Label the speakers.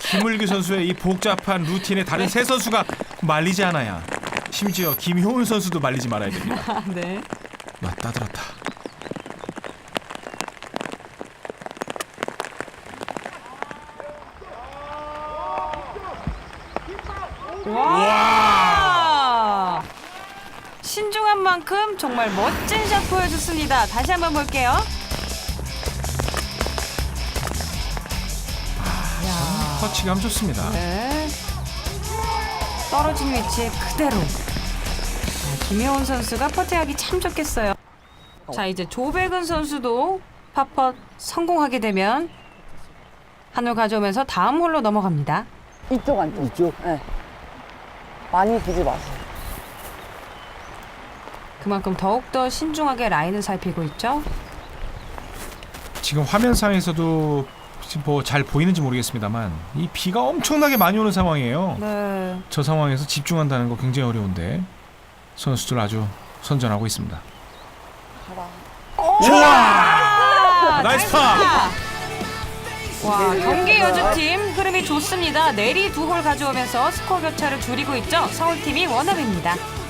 Speaker 1: 김물기 선수의 이 복잡한 루틴에 다른 세 선수가 말리지 않아야. 심지어 김효은 선수도 말리지 말아야 됩니다.
Speaker 2: 네.
Speaker 1: 맞다 들었다.
Speaker 2: 와! 신중한 만큼 정말 멋진 샷 보여줬습니다. 다시 한번 볼게요.
Speaker 1: 터치감 좋습니다.
Speaker 2: 네. 떨어진 위치에 그대로. 김효은 선수가 퍼팅하기 참 좋겠어요. 자, 이제 조백은 선수도 팝펫 성공하게 되면 한 홀 가져오면서 다음 홀로 넘어갑니다.
Speaker 3: 이쪽 안쪽.
Speaker 4: 이쪽?
Speaker 3: 네. 많이 두지 마세요.
Speaker 2: 그만큼 더욱더 신중하게 라인을 살피고 있죠.
Speaker 1: 지금 화면상에서도 뭐 잘 보이는지 모르겠습니다만 이 비가 엄청나게 많이 오는 상황이에요.
Speaker 2: 네.
Speaker 1: 저 상황에서 집중한다는 거 굉장히 어려운데 선수들 아주 선전하고 있습니다.
Speaker 3: 가라.
Speaker 1: 좋아! 나이스 파!
Speaker 2: 와, 경기 여주팀 흐름이 좋습니다. 내리 두 홀 가져오면서 스코어 격차를 줄이고 있죠. 서울팀이 원업입니다.